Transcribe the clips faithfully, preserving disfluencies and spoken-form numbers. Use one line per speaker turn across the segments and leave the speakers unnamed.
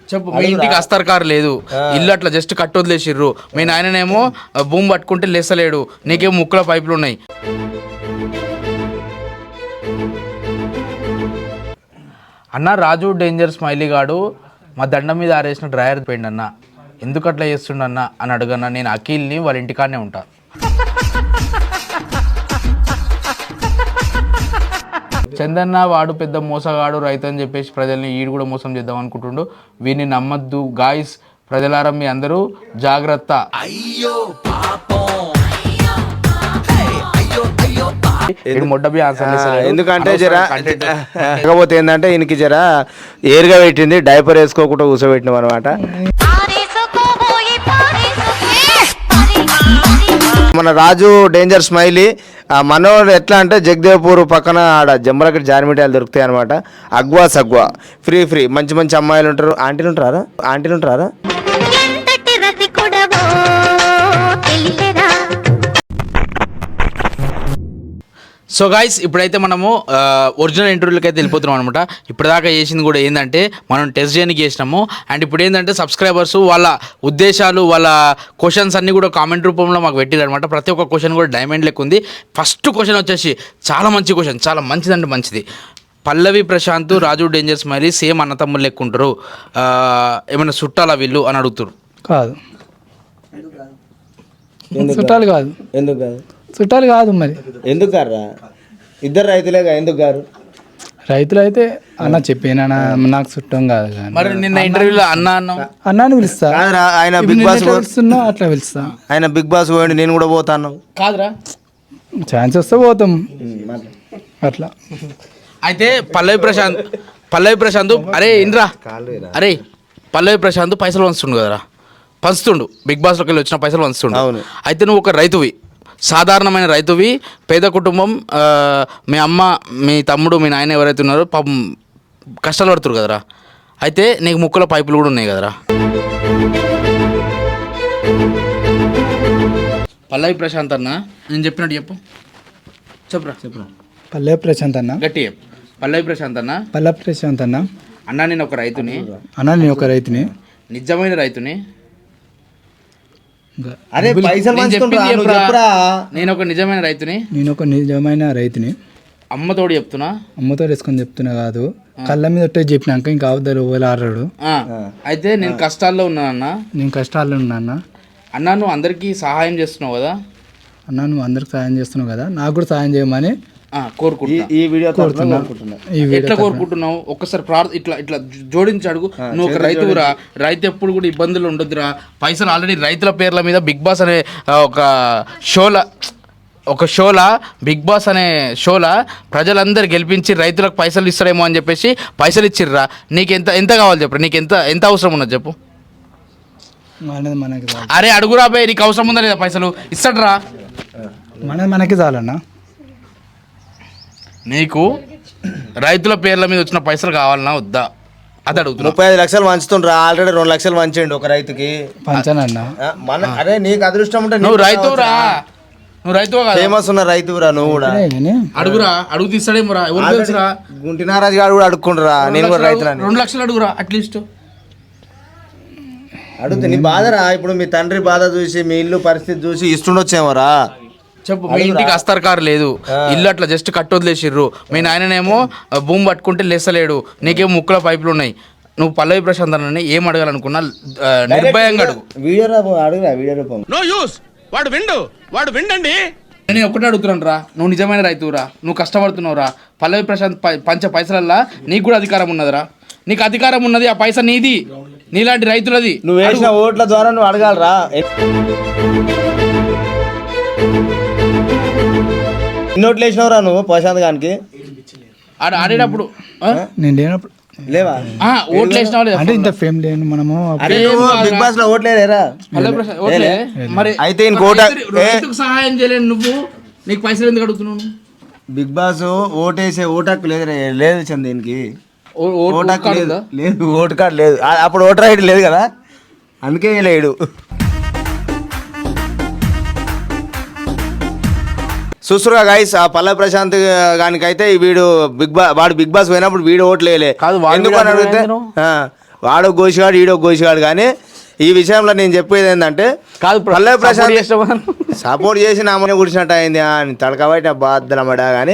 చెప్పు. మీ ఇంటికి అస్తర్ కారు లేదు, ఇల్లు అట్లా జస్ట్ కట్టు వదిలేసిర్రు, మీ నాయననేమో భూమి పట్టుకుంటే లేసలేడు, నీకేమో ముక్కుల పైపులు ఉన్నాయి. అన్న రాజు డేంజర్ స్మైలీ గాడు మా దండం మీద ఆరేసిన డ్రైవర్ పోయిండు అన్న, ఎందుకు అట్లా చేస్తుండన్న అని అడుగన్నా. నేను అఖిల్ని వాళ్ళ ఇంటికాడనే ఉంటా. చందన్న వాడు పెద్ద మోసగాడు రైతు అని చెప్పేసి ప్రజల్ని ఈడు కూడా మోసం చేద్దాం అనుకుంటుండు. వీడిని నమ్మద్దు గాయస్, ప్రజలారా మీ అందరూ జాగ్రత్త.
ఎందుకంటే జర కాకపోతే ఏంటంటే ఈయనకి జర ఏరుగా పెట్టింది, డైపర్ వేసుకోకుండా కూర్చోబెట్టినాం అనమాట. మన రాజు డేంజర్ స్మైలీ మనోడు ఎట్లా అంటే జగదేవ్పూర్ పక్కన ఆడ జమ్మలకి జారిమిటాయలు దొరుకుతాయి అనమాట. అగ్వా సగ్వా ఫ్రీ ఫ్రీ మంచి మంచి అమ్మాయిలు ఉంటారు. ఆంటీలు ఉంటారా ఆంటీలు ఉంటారా
సో గాయస్, ఇప్పుడైతే మనము ఒరిజినల్ ఇంటర్వ్యూలకి అయితే వెళ్ళిపోతున్నాం అనమాట. ఇప్పటిదాకా చేసింది కూడా ఏంటంటే మనం టెస్ట్ చేయడానికి చేసినాము. అండ్ ఇప్పుడు ఏంటంటే సబ్స్క్రైబర్స్ వాళ్ళ ఉద్దేశాలు వాళ్ళ క్వశ్చన్స్ అన్నీ కూడా కామెంట్ రూపంలో మాకు పెట్టారు అనమాట. ప్రతి ఒక్క క్వశ్చన్ కూడా డైమండ్ లెక్క ఉంది. ఫస్ట్ క్వశ్చన్ వచ్చేసి చాలా మంచి క్వశ్చన్, చాలా మంచిదంటే మంచిది. Pallavi Prashanth Raju danger smiley same అన్న తమ్ముళ్ళు లెక్క ఉంటారు, ఏమైనా చుట్టాలా వీళ్ళు అని అడుగుతారు.
కాదు, చుట్టాలు కాదు.
ఎందుకు కాదు?
చుట్టాలు కాదు. మరి
ఎందుకు గారా? ఇద్దరు రైతులేగా, ఎందుకు గారు?
రైతులు అయితే అన్న చెప్పాను నాకు చుట్టం కాదు. కానీ
మరి నిన్న ఇంటర్వ్యూలో అన్న అన్న
అన్నాను పిలుస్తా,
ఆయన బిగ్ బాస్
పిలుస్తున్నా అట్లా పిలుస్తా.
ఆయన బిగ్ బాస్ పోయండి, నేను కూడా పోతాను.
కాదురా,
ఛాన్స్ వస్తే పోతాం అట్లా.
అయితే పల్లవి ప్రశాంత్ పల్లవి ప్రశాంత్ అరే ఇంద్రా అరే పల్లవి ప్రశాంత్ పైసలు పంచుతుండు కదరా, పంచుతుండు బిగ్ బాస్లోకి వెళ్ళి వచ్చిన పైసలు పంచుతుండు. అయితే నువ్వు ఒక రైతువి, సాధారణమైన రైతువి, పేద కుటుంబం, మీ అమ్మ మీ తమ్ముడు మీ నాయన ఎవరైతే ఉన్నారో పాపం కష్టాలు పడుతురు కదరా. అయితే నీకు ముక్కుల పైపులు కూడా ఉన్నాయి కదరా. పల్లవి ప్రశాంత్ అన్న నేను చెప్పినట్టు చెప్పు, చెప్పురా చెప్పురా.
పల్లవి ప్రశాంత్ అన్న
గట్టి చెప్పు. పల్లవి ప్రశాంత్ అన్న
పల్లవి ప్రశాంత్ అన్న
అన్న నేను ఒక రైతుని
అన్న నేను ఒక రైతుని
నిజమైన రైతుని.
అరే పైసలు
నేను ఒక నిజమైన రైతుని
నేను ఒక నిజమైన రైతుని
అమ్మతోడు చెప్తున్నా,
అమ్మతో వేసుకొని చెప్తున్నా కాదు, కళ్ళ మీద ఒట్టే చెప్పినాక ఇంకా అవద్దరు ఓవేళ ఆడాడు.
అయితే నేను కష్టాల్లో ఉన్నానన్న,
నేను కష్టాల్లో ఉన్నా అన్న.
అన్నా నువ్వు అందరికీ సహాయం చేస్తున్నావు కదా
అన్న, నువ్వు అందరికి సహాయం చేస్తున్నావు కదా, నాకు కూడా సహాయం చేయమని
కోరుకుంటున్నా.
ఈ వీడియో
కోరుతున్నా.
ఎట్లా కోరుకుంటున్నావు ఒక్కసారి ప్రార్థ ఇట్లా ఇట్లా జోడించి అడుగు. నువ్వు ఒక రైతువురా, రైతు ఎప్పుడు కూడా ఇబ్బందులు ఉండొద్దురా. పైసలు ఆల్రెడీ రైతుల పేర్ల మీద బిగ్ బాస్ అనే ఒక షోలా ఒక షోలా బిగ్ బాస్ అనే షోలా ప్రజలందరూ గెలిపించి రైతులకు పైసలు ఇస్తారేమో అని చెప్పేసి పైసలు ఇచ్చిర్రా. నీకు ఎంత ఎంత కావాలి చెప్పు, నీకు ఎంత ఎంత అవసరం ఉన్నది చెప్పు.
మనకి
అరే అడుగురా బాయ్, నీకు అవసరం ఉందా లేదా పైసలు ఇస్తాడరా.
మనది మనకి చాలన్నా.
నీకు రైతుల పేర్ల మీద వచ్చిన పైసలు కావాలన్నా వద్దా అది అడుగుతున్నా.
ముప్పై ఐదు లక్షలు వంచుతుండ్రా, ఆల్రెడీ రెండు లక్షలు వంచండి ఒక రైతుకి.
పంచానన్నా
మన అరే నీకు అదృష్టం ఉంటే
నువ్వు రైతురా, నువ్వు రైతువా కాదు,
ఫేమస్ ఉన్న రైతురా నువ్వు కూడా.
అడుగురా, అడుగు తీస్తాడేమోరా, ఎవరు తెలుసురా.
గుంటి నారాజు గారు కూడా అడుక్కుంటురా, నేను కూడా రైతులని.
రెండు లక్షలు అడుగురా అట్లీస్ట్.
అడుగుతా నీ బాధరా, ఇప్పుడు మీ తండ్రి బాధ చూసి మీ ఇల్లు పరిస్థితి చూసి ఇస్తుండొచ్చేమోరా.
చెప్పు. మీ ఇంటికి అస్తర్ కారు లేదు, ఇల్లు అట్లా జస్ట్ కట్టు వదిలేసిర్రు, మీ నాయననేమో భూమి పట్టుకుంటే లేసలేడు, నీకేమో ముక్కుల పైపులు ఉన్నాయి. నువ్వు పల్లవి ప్రశాంత్ అన్నని ఏం అడగాలనుకున్నా నిర్భయంగా అడుగు.
వీడియో అడుగురా, వీడియో రూపం.
నో యూస్, వాడు విండు వాడు విండండి. నేను ఒకటే అడుగుతున్నాను రా, నువ్వు నిజమైన రైతువురా, నువ్వు కష్టపడుతున్నావురా. పల్లవి ప్రశాంత్ పంచ పైసలల్లా నీకు కూడా అధికారం ఉన్నదిరా. నీకు అధికారం ఉన్నది, ఆ పైసా నీది, నీలాంటి రైతులది.
నువ్వు వేసిన ఓట్ల ద్వారా నువ్వు అడగాలరా. నోట్లు వేసినవరా నువ్వు ప్రశాంత్ గానికి
ఆడేటప్పుడు?
నేను లేనప్పుడు
లేవా
ఓట్లు వేసినావా లేదా?
అంటే ఇంత ఫేమ్ లేను మనము.
బిగ్ బాస్ లో ఓట్లేరా?
మరి
అయితే
రైతుకు సహాయం చేయలేను నువ్వు, నీకు పైసలు ఎందుకు అడుగుతున్నావు?
బిగ్ బాస్ ఓటేసే ఓటాకు లేదు లేదు చంద దీనికి ఓటాకు లేదు, లేదు ఓటు కార్డు లేదు. అప్పుడు ఓటర్ ఐడి లేదు కదా, అందుకే లేడు. చూస్తురుగా గైస్, ఆ పల్లవి ప్రశాంత్ గానికైతే వీడు బిగ్ బాస్ వాడు బిగ్ బాస్ పోయినప్పుడు వీడు ఓట్లు వేయలే. ఎందుకు అని అడిగితే వాడో గోసిగాడు ఈడో గోసిగాడు కానీ ఈ విషయంలో నేను చెప్పేది ఏంటంటే
కాదు
పల్లవి ప్రశాంత్
చేసినావా?
సపోర్ట్ చేసి నా అమ్మని గుడిచినట్టు అయింది అని తడకబట్టి బాధలమ్మడా కానీ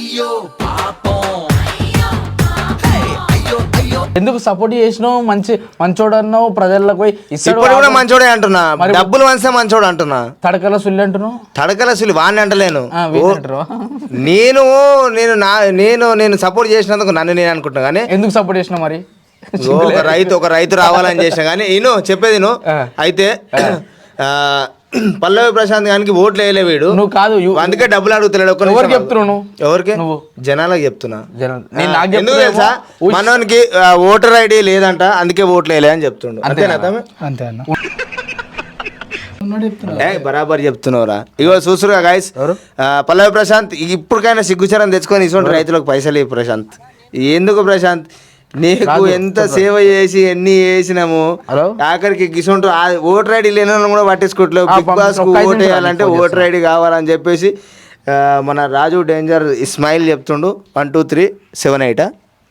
ఎందుకు సపోర్ట్ చేసినావు? మంచి మంచోడు అన్నావు, ప్రజలకు పోయి ఇస్తాడు.
ఇప్పుడు కూడా మంచోడే అంటున్నా, డబ్బులు వంచే మంచోడు అంటున్నా.
తడకల సుల్లి అంటున్నావు.
తడకల అసలు వాడిని అంటలేను.
ఆ, వీళ్ళు అంటారు.
నేను నేను నా నేను నేను సపోర్ట్ చేసినందుకు నన్ను నేను అనుకుంటున్నా కానీ
ఎందుకు సపోర్ట్ చేసినావు మరి?
ఓ, ఒక రైతు ఒక రైతు రావాలని చేసిన కానీ నేను చెప్పేది నువ్వు అయితే ఆ, పల్లవి ప్రశాంత్ గానికి ఓట్లు వేయలే వీడు.
నువ్వు కాదు యు-
అందుకే డబ్బులు అడుగుతలేడు. ఒక్క
ఎవరికి
నిమిషం
చెప్తున్నావు నువ్వు?
ఎవరికి?
నువ్వు.
జనాలకు చెప్తున్నా.
జనం- నేను నాకు
ఎందుకు
చెప్తున్నావు
తెలుసా
ఏమో.
మనోనికి ఓటర్ ఐడి లేదంట, అందుకే ఓట్లు వేయలే అని చెప్తుండు. అంతేనా తమ్మి?
అంతే అన్న ఉన్నాడు చెప్తున్నా.
ఏ బరాబర్ చెప్తున్నావురా. ఇగో చూసురుగా గాయస్, పల్లవి ప్రశాంత్ ఇప్పటికైనా సిగ్గుచరం తెచ్చుకొని ఇటువంటి రైతులకు పైసలు ఇవ్వు ప్రశాంత్. ఎందుకు ప్రశాంత్, నీకు ఎంత సేవ చేసి ఎన్ని చేసినాము,
హలో?
ఆఖరికి గిసొంటూ ఓటర్ ఐడి లేని వాళ్ళని కూడా పట్టించుకోవట్లేదు.
ఆ,
బిగ్ బాస్ కు
ఒక్క ఐదు
ఓట్
నిమిషాలు
వేయాలంటే
ఫోన్
ఓటర్ ఐడి కావాలని చెప్పేసి ఆ, మన రాజు డేంజర్ ఇస్మాయిల్ చెప్తుండు. One two three seven eight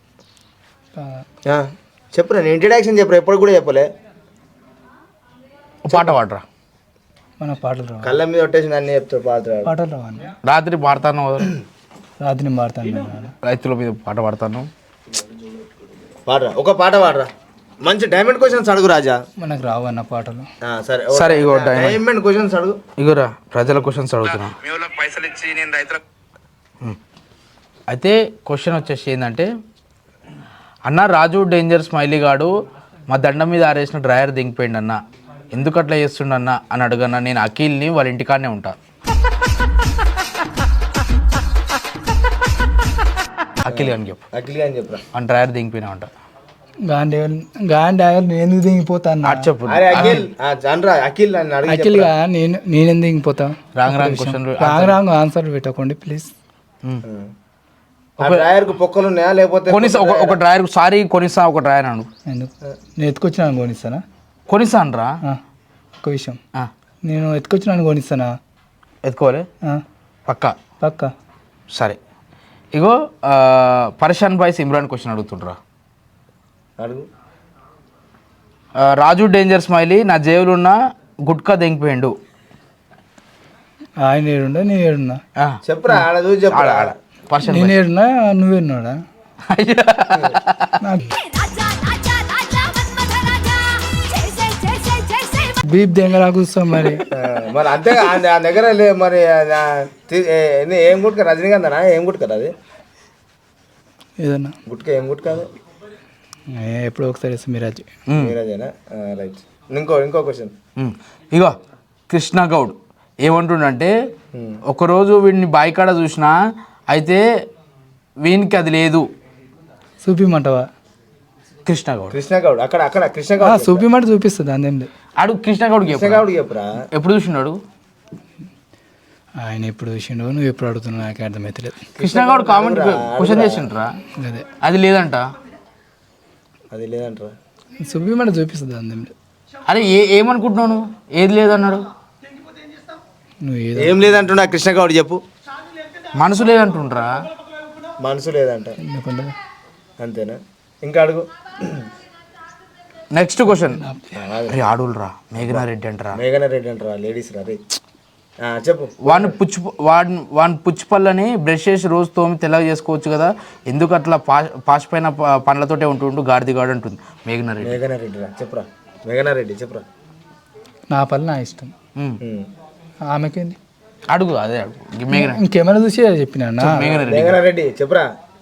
చెప్పురా, నేను ఇంట్రడక్షన్ చెప్పురా, ఎప్పుడు కూడా చెప్పలే.
పాట పాడరా.
మన పాటలు రావు,
కళ్ళ మీద కొట్టేసి అన్ని చెప్తాడు పాడుతున్నాడు.
పాటలు రావన్న.
రాత్రి పాడతాను,
రాత్రి నేను పాడతాను నేను.
రైతుల మీద పాట పాడతాను.
పాడరా, ఒక పాట పాడరా. మంచి డైమండ్ క్వశ్చన్స్ అడుగు రాజా.
మనకు రావన్న పాటలు.
ఆ, సరే
సరే, ఇగో diamond.
డైమండ్ క్వశ్చన్స్ అడుగు.
ఇగోరా ప్రజల క్వశ్చన్స్ అడుగుతున్నా.
పైసలు ఇచ్చి నేను రైతులకు
అయితే క్వశ్చన్ వచ్చేసి ఏంటంటే, అన్న రాజు డేంజర్ స్మైలీ గాడు మా దండం మీద ఆరేసిన డ్రైవర్ దింగిపోయిండు అన్న, ఎందుకు అట్లా చేస్తుండన్న అని అడుగన్నా. నేను అఖిల్ని వాళ్ళ ఇంటికాడనే ఉంటా. అఖిల్ అని చెప్పు.
అఖిల్ అని చెప్పరా.
అని డ్రైవర్ దింగిపోయినా ఉంటా.
గాంధీ గాంధీ నేను ఎందుకు దిగిపోతాను?
అటు చెప్పు.
అరే అఖిల్ ఆ, అనరా అఖిల్ అని అడిగి
యాక్చువల్గా నేను నేను ఎందుకు దిగిపోతా?
Wrong wrong question.
Wrong wrong answer పెట్టకండి ప్లీజ్.
డ్రైవర్ కు పొక్కలు ఉన్నాయా లేకపోతే
కొనిస్తా ఒక ఒక డ్రైవర్ సారీ కొనిస్తా ఒక డ్రైవర్ అను.
ఎందుకు? నేను ఎత్తుకొచ్చినాను కొనిస్తానా?
కొనిస్తాను రా.
ఆ, ఒక విషయం, నేను ఎత్తుకొచ్చినాను కొనిస్తానా?
ఎత్తుకోవాలి
ఆ,
పక్కా.
పక్క.
సరే, ఇగో ఆ, పరేషాన్ బాయ్స్ ఇమ్రాన్ క్వశ్చన్ అడుగుతుండ్రా.
అడుగు.
ఆ, రాజు డేంజర్ స్మైలీ నా జేబులో ఉన్న గుట్కా దెంగిపోయిండు.
ఆయన ఏడుండా నేను ఏడున్నా?
ఆ,
చెప్పురా, ఆడ చూసి చెప్పు.
ఆడ ఆడ పరేషాన్
నేను ఏడున్నా నువ్వేడున్నాడా? బీప్ దెంగరా కూర్చో మరి.
మరి అంతే ఆ దగ్గర లే మరి ఆ, తీ- ఏ- ఏ- ఏం గుట్క రజనీకాంతనా? ఏం గుట్క అది?
ఏదన్నా
గుట్క ఏం గుట్క అది?
ఏ, ఎప్పుడో ఒకసారి ఇస్తాం మీరాజ్.
మీరాజేనా? రైట్. ఇంకో ఇంకో క్వశ్చన్.
ఉమ్. ఇగో కృష్ణ గౌడ్ ఏమంటుండంటే, ఒకరోజు వీడిని బాయికాడ చూసినా అయితే వీనికి అది లేదు.
చూపిమంటావా?
కృష్ణ గౌడ్
కృష్ణ గౌడ్ అక్కడ అక్కడ కృష్ణ
ఆ,
గౌడ్
చూపిమంటే చూపిస్తుంది అందేం లేదు.
అడు కృష్ణ గౌడ్కి
కృష్ణ గౌడ్ చెప్పురా.
ఎప్పుడు చూసినాడు?
ఆయన ఎప్పుడు చూసిండో నువ్వు ఎప్పుడు అడుగుతున్నావు నాకు అర్థమవుతలేదు.
కృష్ణ గౌడ్ కామెంట్ క్వశ్చన్ చేసిండ్రా,
అదే
అది లేదంట.
అది లేదంటారా?
చూపిమంటే చూపిస్తుంది అందేం లేదు.
అరే ఏ ఏమనుకుంటున్నావు నువ్వు? ఏది లేదన్నాడు.
నువ్వు ఏదో
ఏం లేదంటున్నా కృష్ణ గౌడ్ చెప్పు.
మనసు లేదంటుండ్రా.
మనసు లేదంట.
ఎందుకంటే
అంతేనా? ఇంకా అడుగు.
Next question. అరే ఆడులరా మేఘనా రెడ్డి అంటరా.
మేఘన రెడ్డి అంటారా? లేడీస్ రా రే. ఆ, చెప్పు.
వాడిని పుచ్చు వాడిని వాడిని పుచ్చిపళ్ళని బ్రష్ చేసి రోజు తోమి తెల్లగా చేసుకోవచ్చు కదా, ఎందుకు అట్లా పాష్ పాష్ పైన ప- పండ్లతోటే ఉంటుండు గాడిదిగాడు అంటుంది మేఘనా రెడ్డి.
మేఘన రెడ్డి రా చెప్పురా. మేఘన రెడ్డి చెప్పురా.
నా పని నా ఇష్టం,
ఉమ్.
ఉమ్.
ఆమెకేంది?
అడుగు అదే అడుగు మేఘనా
ఇంకెమెరా చూసి చెప్పినా
మేఘనా రెడ్డి.
మేఘన రెడ్డి చెప్పురా.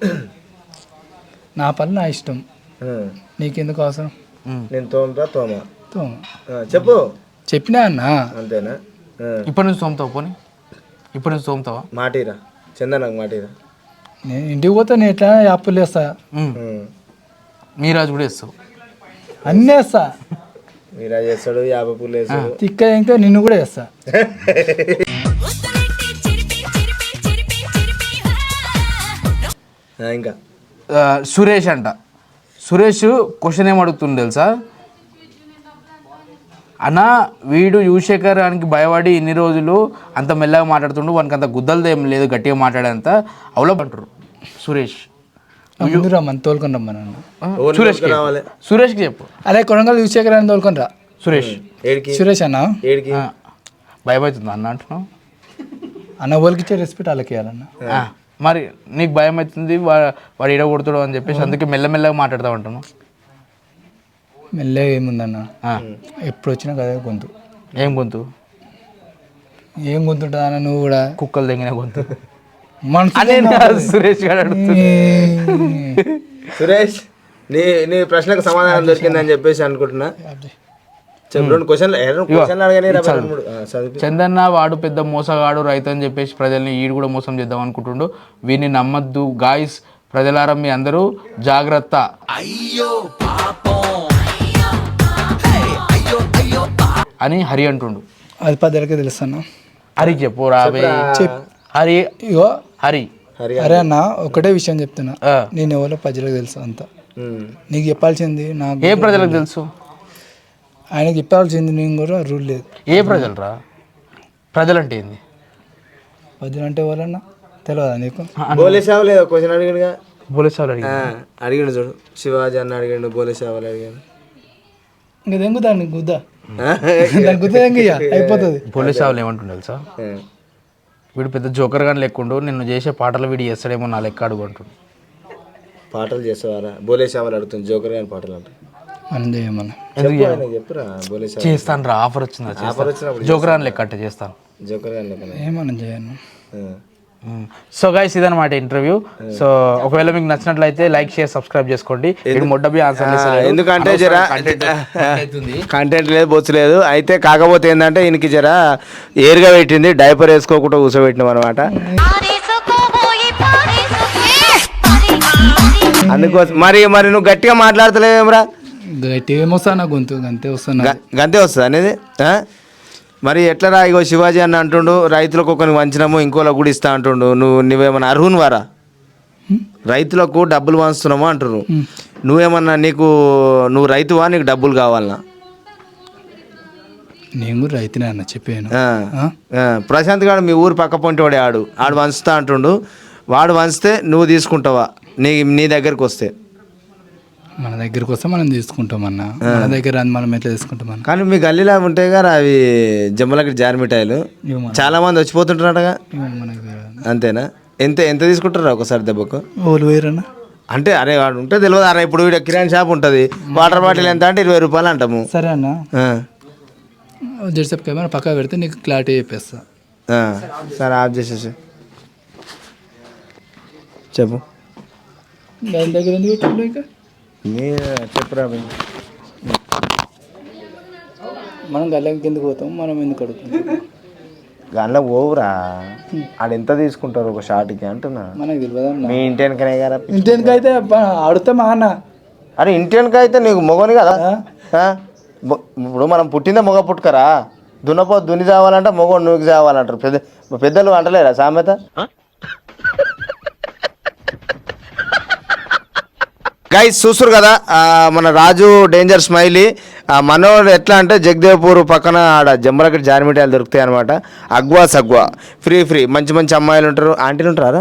నా పని నా ఇష్టం,
ఉమ్.
నీకెందుకు అవసరం?
ఉమ్.
నేను తోమరా తోమ.
తో
ఆ, చెప్పు.
చెప్పినా అన్నా.
అంతేనా? ఆ.
ఇప్పటి నుంచి తోముతావు పోనీ, ఇప్పటి నుంచి తోముతావా?
మాటీరా చందనకు మాటీరా.
నేను ఇంటికి పోతే నేను ఎట్లా అప్పులు వేస్తా,
ఉమ్.
ఉమ్.
మీరాజు కూడా ఇస్తావు.
అన్నీ వేస్తా.
మీరా చేస్తాడు, యాభై పూలు వేస్తాడు.
తిక్క ఇంకా నిన్ను కూడా వేస్తా.
ఆ, ఇంకా
ఆ, సురేష్ అంట. సురేష్ క్వశ్చన్ ఏం అడుగుతుంది తెలుసా? అన్న వీడు యువశేఖర్ గారికి భయపడి ఇన్ని రోజులు అంత మెల్లగా మాట్లాడుతుండు, వానికి అంత గుద్దలది ఏం లేదు గట్టిగా మాట్లాడేంత అవలప్ అంటారు సురేష్.
ముందు రమ్మని తోలుకొని రమ్మని అన్న
సురేష్కి
రావాలి
సురేష్కి చెప్పు.
అదే కొడంగల్ యువశేఖర్ అని తోలుకొని రా.
సురేష్
ఏడికి
సురేష్ అన్న
ఏడికి
ఆ, భయమవుతుంది అన్న అంటున్నావు.
అన్న వాళ్ళకి ఇచ్చే రెస్పెక్ట్ వాళ్ళకి ఇవ్వాలన్న.
ఆ, మరి నీకు భయం అవుతుంది వా- వాడు ఈడ కొడుతాడు అని చెప్పేసి అందుకే మెల్లమెల్లగా మాట్లాడతా ఉంటాను.
మెల్లగా ఏముందన్న,
ఆ,
ఎప్పుడు వచ్చినా కదా గొంతు.
ఏం గొంతు?
ఏం గొంతు ఉంటుంది అన్న నువ్వు కూడా
కుక్కలు తెంగిన గొంతు.
మనసు
అదే నా సురేష్ గారు అడుగుతుంది.
సురేష్ నీ నీ ప్రశ్నకు సమాధానం దొరికిందని చెప్పేసి అనుకుంటున్నా. చెప్పు రెండు క్వశ్చన్లు రెండు క్వశ్చన్లు అడగనే రా రెండు మూడు. ఆ, చదివి
చందన్న వాడు పెద్ద మోసగాడు రైతు అని చెప్పేసి ప్రజల్ని ఈడు కూడా మోసం చేద్దాం అనుకుంటుండు. వీడిని నమ్మద్దు గాయస్, ప్రజలారా మీ అందరూ జాగ్రత్త. అని హరి అంటుండు.
అది పద్దెలకే తెలుసు అన్న.
హరికి చెప్పు రాబే.
చెప్
హరి
ఇగో
హరి
హరి
అరే అన్న ఒకటే విషయం చెప్తున్నా,
ఆ,
నేను ఎవరో ప్రజలకు తెలుసు అంత.
ఉమ్.
నీకు చెప్పాల్సింది నాకు,
ఏ ప్రజలకు తెలుసు?
ఆయనకి చెప్పాల్సింది నేను కూడా రూల్ లేదు.
ఏ ప్రజలు రా? ప్రజలంటే ఏంది?
పద్దులు అంటే ఎవరన్నా తెలియదా నీకు?
బోలేసావు లేదా క్వశ్చన్ అడిగాడుగా.
పోలీసు అడిగి
ఆ, అడిగిండు చూడు, శివాజీ అన్న అడిగిండు, బోలేసావులు అడిగాడు.
ఇంకా దెంగుతా నీకు గుద్దా, దాని గుద్ద దెంగయ్య అయిపోతుంది.
పోలీసు వాళ్ళు ఏమంటుండే తెలుసా?
ఆ.
వీడు పెద్ద జోకర్ గాని లెక్కుండు, నిన్ను చేసే పాటలు వీడు చేస్తాడేమో నా లెక్క అడుగు అంటుండు.
పాటలు చేసేవారా? బోలేసావులు అడుగుతుంది, జోకర్ గాని పాటలు అంటే
మనం చేయమన్నా.
ఎందుకు చేయను?
ఆయనకి చెప్పురా బోలేసావు.
చేస్తాను రా, ఆఫర్ వచ్చిందా
ఆఫర్ వచ్చినప్పుడు
జోకర్ గాని లెక్క అంటే చేస్తాను.
జోకర్ గాని లెక్కనే.
ఏమన్నా చేయను.
ఆ.
సో గైస్ ఇదన్నమాట ఇంటర్వ్యూ. సో ఒకవేళ మీకు నచ్చినట్లయితే లైక్ షేర్ సబ్స్క్రైబ్ చేసుకోండి. ఇది మొడ్డబి ఆన్సర్
ఎందుకంటే జర కంటెంట్ లేదు, బొచ్చు లేదు. అయితే కాకపోతే ఏంటంటే ఈయనకి జర ఏరుగా పెట్టింది, డైపర్ వేసుకోకుండా కూర్చోబెట్టినాం అనమాట. అందుకోసం మరి మరి నువ్వు గట్టిగా మాట్లాడతలేవేమరా?
గట్టి ఏమొస్తా నా గొంతు అంతే వస్తున్నా.
గ- గంతే వస్తుంది అనేది. ఆ? మరి ఎట్లరా? ఇగో శివాజీ అన్న అంటుండు రైతులకు ఒకరికి వంచినాము ఇంకోలకు కూడా ఇస్తా అంటుండు. నువ్వు నువ్వేమన్నా అర్హుని వారా? రైతులకు డబ్బులు వంచుతున్నాము అంటున్నారు. నువ్వేమన్నా నీకు నువ్వు రైతువా, నీకు డబ్బులు కావాలనా?
నేను కూడా రైతునే అన్న చెప్పాను.
ఆ. ఆ. ప్రశాంత్ గారు మీ ఊరు పక్క పొంటి వాడే ఆడు ఆడు వంచుతా అంటుండు. వాడు వంచితే నువ్వు తీసుకుంటావా నీ నీ దగ్గరికి వస్తే?
మన దగ్గరికి వస్తే మనం తీసుకుంటాం అన్న, మన దగ్గర రాని మనం ఎట్లా తీసుకుంటాం అన్న.
కానీ మీ గల్లీలో ఉంటాయి కదా అవి జమ్మలకి జారి మిఠాయిలు,
ఇవి మన
చాలా మంది వచ్చిపోతుంటారటగా.
ఇవి మనకి తెలియదు.
అంతేనా? ఎంత ఎంత తీసుకుంటారా ఒకసారి దెబ్బకు?
ఓలు వేరన్నా.
అంటే అరే వాడు ఉంటే తెలియదు. అరే ఇప్పుడు వీడు కిరాణా షాప్ ఉంటుంది, వాటర్ బాటిల్ ఎంత అంటే ఇరవై రూపాయలు అంటాము.
సరే అన్న,
ఆ.
జెర్సెప్ కెమెరా పక్కా పెడితే నీకు క్లారిటీ చెప్పేస్తా.
ఆ. సరే ఆఫ్ చేసేసి చెప్పు.
దాని దగ్గర ఎందుకు పెట్టిండు ఇంకా?
మీరు చెప్పురా భయ్.
మనం గల్లకి ఎందుకు పోతాం, మనం ఎందుకు అడుగుతాం?
దానిలో పోవురా, ఆడు ఎంత తీసుకుంటారు ఒక షార్ట్కి అంటున్నా.
మనకు తెలియదు అన్న.
మీ ఇంటి వెనకనే కదా.
ఇంటి ఎందుకు అయితే ఆడుతామా అన్న?
అరే ఇంటి వెనక అయితే నీకు మొగని కదా. ఆ? మొ- ఇప్పుడు మనం పుట్టిందే మొగ పుట్టుకరా. దున్నపో దున్ని చావాలంటే మొగ నువ్వుకి చావాలంటారు. పెద్ద పెద్దలు అంటలేరా సామెత? గైస్ చూస్తురు కదా, ఆ, మన రాజు డేంజర్ స్మైలీ ఆ, మనోడు ఎట్లా అంటే జగదేవ్పూర్ పక్కన ఆడ జంబలకి జారిమిఠాయిలు దొరుకుతాయి అనమాట. అగ్వా సగ్వా ఫ్రీ ఫ్రీ మంచి మంచి అమ్మాయిలు ఉంటారు, ఆంటీలు ఉంటారా?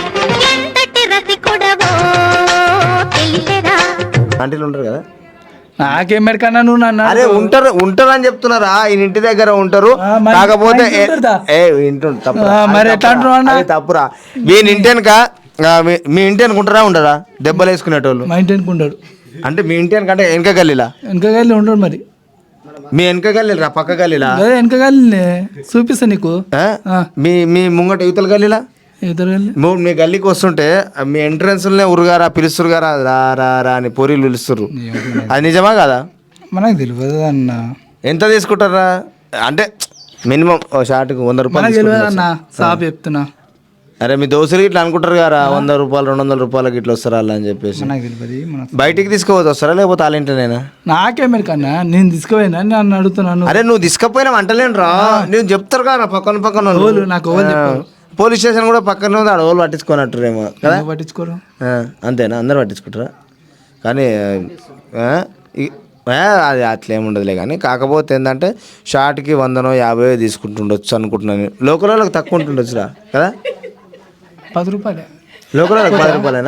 ఆంటీలు ఉంటారు కదా.
నాకేం మెరకన్నా నువ్వు నన్ను
అరే ఉంటారు ఉంటారు అని చెప్తున్నారా? ఈయన ఇంటి దగ్గర ఉంటారు.
ఆ, మరి-
కాకపోతే
మా ఇంటి ఉంటుందా?
ఏ ఇంటుండు తప్పు.
ఆ, మరి ఎట్లా అంటున్నావు అన్న?
తప్పురా. వీని ఇంటి వెనక ఆ, మీ- మీ ఇంటి అనుకుంటారా ఉండరా దెబ్బలు వేసుకునేటోళ్ళు?
మా ఇంటి అనుకుంటాడు.
అంటే మీ ఇంటి వెనక అంటే వెనక గల్లీలా?
వెనక గల్లి ఉండడు మరి.
మీ వెనక గల్లీరా పక్క గల్లీలా?
అదే వెనక గల్లి చూపిస్తా నీకు.
ఆ?
ఆ.
మీ మీ ముంగట యువతల గల్లీలా?
ఇద్దరు గల్లి
ము- మీ గల్లీకి వస్తుంటే ఆ, మీ ఎంట్రన్స్లోనే ఉరుగారా పిలుస్తురు గారా రా రా రా అని పొరీలు పిలుస్తురు. అది నిజమా కదా?
మనకు తెలియదు అన్న.
ఎంత తీసుకుంటారా? అంటే మినిమం ఓ షార్ట్కి వంద రూపాయలు
మనకు తెలియదు
తీసుకుంటారా?
అన్న, సాప్ చెప్తున్నా.
అరే మీ దోస్తులు ఇట్లా అనుకుంటారు కదా, వంద రూపాయలు రెండు వందల రూపాయలకి ఇట్లా వస్తారా అలా అని చెప్పేసి.
మనకు తెలియదు. మనకు
బయటికి తీసుకుపోతే వస్తారా లేకపోతే వాళ్ళ ఇంటనేనా?
నాకే మెరకన్నా, నేను తీసుకుపోయినా నన్ను అడుగుతున్నాను.
అరే నువ్వు తీసుకపోయినా అంటలేను రా, నేను చెప్తారు కదా పక్కన పక్కన వాళ్ళు.
ఓలు నాకు ఓలు చెప్పారు.
పోలీస్ స్టేషన్ కూడా పక్కనే ఉంది, ఆడ వాళ్ళు పట్టించుకోనట్టురేమో కదా.
ఎందుకు పట్టించుకోరు?
ఆ, అంతేనా? అందరు పట్టించుకుంటారా? కానీ ఆ, ఈ- ఆ, అది అట్లేముండదులే. కానీ కాకపోతే ఏంటంటే షార్ట్కి వందనో యాభై తీసుకుంటుండొచ్చు అనుకుంటున్నాను. లోకల్ వాళ్ళకి తక్కువ ఉంటుండొచ్చురా కదా.
పది రూపాయలే.
లోకల్ వాళ్ళకి పది రూపాయలేనా?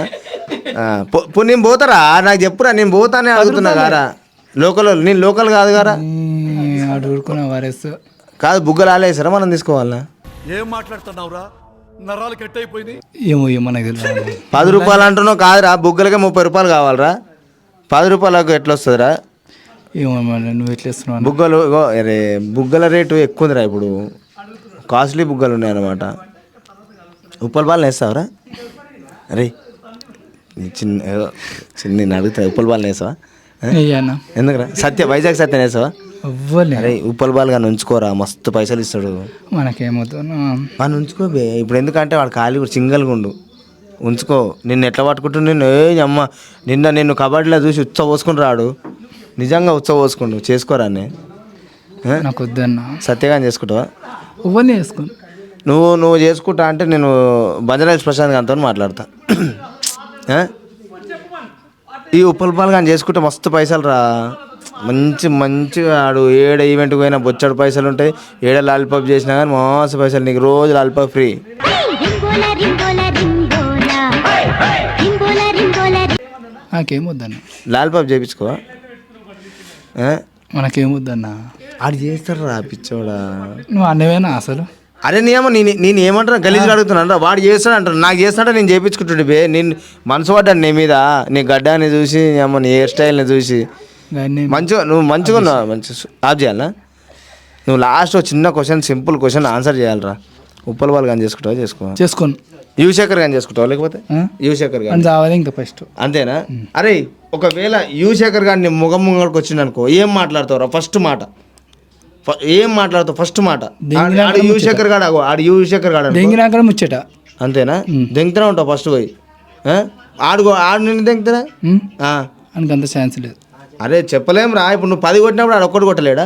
ఆ, పో- పో, నేను పోతారా నాకు చెప్పురా నేను పోతానే అడుగుతున్నా కారా లోకల్ నేను లోకల్ కాదు కారా
ఆడు ఊరుకున్న వారేస్
కాదు బుగ్గలు ఆలేసారా మనం తీసుకోవాలా
ఏం మాట్లాడుతున్నావురా నరాలు కట్ అయిపోయినాయి
ఏమో ఏమో నాకు తెలియదు
పది రూపాయలు అంటున్నావు కాదురా బుగ్గలకే ముప్పై రూపాయలు కావాలరా పది రూపాయలకు ఎట్లా వస్తుందిరా
ఏమో మరి నువ్వు ఎట్లా ఇస్తున్నావు
బుగ్గలు ఇగో అరే బుగ్గల రేటు ఎక్కువ ఉందిరా ఇప్పుడు కాస్ట్లీ బుగ్గలు ఉన్నాయన్నమాట ఉప్పల బాల్ వేస్తావరా అరే నీ చిన్న ఏదో చిన్న నేను అడుగుతా ఉప్పల బాల్ వేసావా
అయ్యానా
ఎందుకురా సత్య వైజాగ్ సత్యం వేసావా
ఎవ్వలే
అరే ఉప్పల బాల్ కానీ ఉంచుకోరా మస్తు పైసలు ఇస్తాడు
మనకేమవుతున్నా
వాడిని ఉంచుకోబే ఇప్పుడు ఎందుకంటే వాడు ఖాళీ కూడా సింగల్గా ఉండు ఉంచుకో నిన్ను ఎట్లా పట్టుకుంటు నిన్ను ఏ అమ్మ నిన్న నిన్ను కబడ్డీలో చూసి ఉత్సవ పోసుకుని రాడు నిజంగా ఉత్సవ పోసుకుండు చేసుకోరాన్ని
నాకు వద్దన్నా
సత్యగాని చేసుకుంటావా
ఎవ్వరిని వేసుకోను
నువ్వు నువ్వు చేసుకుంటా అంటే నేను బంజరాజ్ ప్రశాంత్ గారితో మాట్లాడతా ఆ? ఈ ఉప్పల పాలు కానీ చేసుకుంటే మస్తు పైసలు రా మంచి మంచిగా ఆడు ఏడ ఈవెంట్కి పోయినా బొచ్చడు పైసలు ఉంటాయి ఏడ లాలిపాప్ చేసినా కానీ మస్తు పైసలు నీకు రోజు లాలిపాప్ ఫ్రీ
నాకేమొద్దన్నా
లాలిపాప్ చేయించుకో
మనకేమొద్దన్నా
ఆడు చేస్తాడు రా పిచ్చోడా
నువ్వు అన్నవేనా అసలు
అరే నేమో నేను నేను ఏమంటారా గలీజ్గా అడుగుతున్నాను రా వాడు చేస్తాడు అంటారు నాకు చేస్తాడా నేను చేయించుకుంటుండే బే నేను మనసు పడ్డాను నీ మీద నీ గడ్డాన్ని చూసి ఏమో నీ హెయిర్ స్టైల్ని చూసి
కానీ
మంచిగా నువ్వు మంచిగా ఉన్నావు మంచి ఆఫ్ చేయాలా నువ్వు లాస్ట్ ఒక చిన్న క్వశ్చన్ సింపుల్ క్వశ్చన్ ఆన్సర్ చేయాలరా ఉప్పల వాళ్ళు కానీ చేసుకుంటావా చేసుకో
చేసుకోను
యువశేఖర్ కానీ చేసుకుంటావా లేకపోతే
ఆ?
యువశేఖర్
అని
కానీ
చావాలి ఇంకా ఫస్ట్
అంతేనా అరే ఒకవేళ యువశేఖర్ గారిని ముఖం ముంగడికి వచ్చింది అనుకో ఏం మాట్లాడతావురా ఫస్ట్ మాట ఫ- ఏం మాట్లాడతావు ఫస్ట్ మాట ఆడు- ఆడు యువశేఖర్ గాడు ఆగు, ఆడు యువశేఖర్ గాడు అనుకో.
దెంగినాక ముచ్చట
అంతేనా దెంగుతూనే ఉంటావు ఫస్ట్ పోయి ఆ? ఆడు ఆడు నిన్ను దెంగుతారా
ఉమ్?
ఆ.
ఆయనకి అంత ఛాన్స్ లేదు
అరే చెప్పలేం రా ఇప్పుడు నువ్వు పది కొట్టినప్పుడు ఆడు ఒక్కటి కొట్టలేడా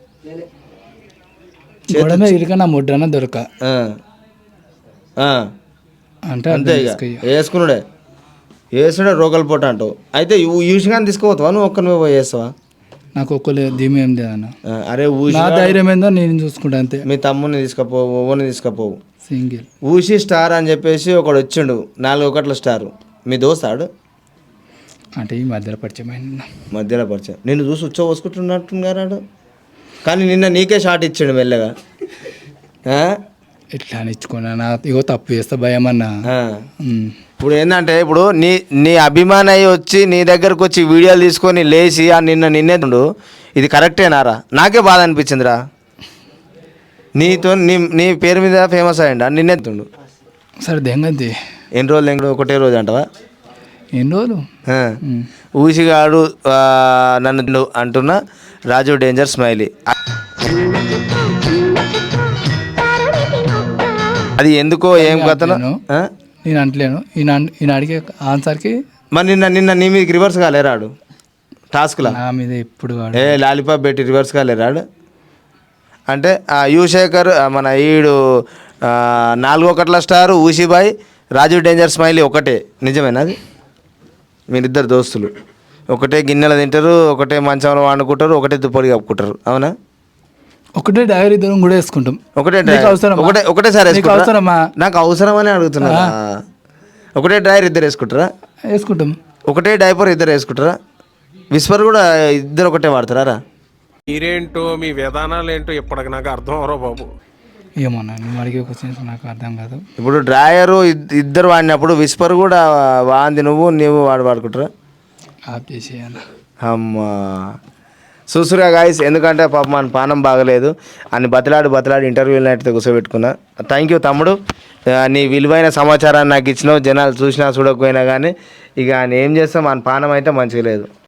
గోడ మీద ఇరుక నా ముడ్రన దొరక
ఆ. ఆ.
అంటే
అంతే
అర్థం
ఇక
చేసుకో ఇక.
వేసుకున్నాడే వేసుడే రోగల పూట అంటావు అయితే యూసిగాని తీసుకుపోతావా నువ్వు ఒక్క నువ్వు పోయి వేస్తావా
నాకు ఒక్కలే ధీమా ఏం లేదన్న
ఆ, అరే ఊసి
నా ధైర్యం ఏందో నేను చూసుకుంటా అంతే
మీ తమ్ముని తీసుకపోవు ఓని తీసుకపోవు
సింగిల్
ఊసి స్టార్ అని చెప్పేసి ఒకడు వచ్చిండు నాలుగు ఒకట్ల స్టార్ మీ దోస్తాడు
అంటే ఈ మధ్యలో పరిచయం అయింది
మధ్యలో పరిచయం నిన్ను చూసి ఉచ్చ పోసుకుంటున్నట్టున్నారాడు కానీ నిన్న నీకే షాట్ ఇచ్చాడు మెల్లగా ఆ?
ఎట్లా అని ఇచ్చుకున్నా నా ఇగో తప్పు చేస్తా భయం అన్న
ఆ. ఇప్పుడు ఏంటంటే ఇప్పుడు నీ నీ అభిమాని అయ్యి వచ్చి నీ దగ్గరకు వచ్చి వీడియోలు తీసుకొని లేచి ఆ నిన్న నిన్నేతుండు ఇది కరెక్టేనారా నాకే బాధ అనిపించిందిరా నీతో నీ నీ పేరు మీద ఫేమస్ అయ్యండి నిన్నెత్తుండు
సరే దెంగంతి
ఎన్ని రోజులు ఎంగడు ఒకటే రోజు అంటవా
ఎన్ని రోజులు
ఆ. ఊసిగాడు ఆ, నన్ను అంటున్న రాజు డేంజర్ స్మైలీ అది ఎందుకో ఏం కథను ఆ?
నేను అంటలేను ఈయన ఈయన అడిగే ఆన్సర్కి
మరి నిన్న నిన్న నీ మీదకి రివర్స్ కాలేరాడు టాస్క్లా
నా మీద ఎప్పుడు వాడు
ఏ లాలీపాప్ పెట్టి రివర్స్ కాలేరాడు అంటే ఆ యువశేఖర్ ఆ, మన ఈడు ఆ, నాలుగో ఒకట్ల స్టార్ ఊసిబాయ్ రాజు డేంజర్ స్మైలీ ఒకటే నిజమేనా అది మీరిద్దరు దోస్తులు ఒకటే గిన్నెలు తింటారు ఒకటే మంచంలో వండుకుంటారు ఒకటే దుప్పటి కప్పుకుంటారు అవునా
ఒకటే డైరీ ఇద్దరం కూడా వేసుకుంటాం
ఒకటే
నీకు
డ్రైవర్
అవసరమా?
ఒకటే ఒకటేసారి
నీకు
వేసుకుంటారా?
అవసరమా?
నాకు అవసరమని అడుగుతున్నా ఒకటే డ్రైవర్ ఇద్దరు వేసుకుంటారా
వేసుకుంటాం
ఒకటే డైపర్ ఇద్దరు వేసుకుంటారా విస్పర్ కూడా ఇద్దరు ఒకటే వాడతారా రా
మీరేంటో మీ విధానాలు ఏంటో ఇప్పటికి నాకు అర్థం అవరో బాబు
ఏమన్నా నువ్వు అడిగే క్వశ్చన్స్ నాకు అర్థం కాదు
ఇప్పుడు డ్రాయరు ఇద్- ఇద్దరు వాడినప్పుడు విస్పర్ కూడా వాంది నువ్వు నీవు వాడు వాడుకుంటారా
ఆఫ్ చేసేయన్న
అమ్మా చూసురా గాయస్ ఎందుకంటే పాప మన పానం బాగలేదు అని బతలాడి బతలాడి ఇంటర్వ్యూలు అయితే కూర్చోబెట్టుకున్నా థ్యాంక్ యూ తమ్ముడు ఆ, నీ విలువైన సమాచారాన్ని నాకు ఇచ్చినావు జనాలు చూసినా చూడకపోయినా కానీ ఇక ఆయన ఏం చేస్తాం మన పానం అయితే మంచిగా లేదు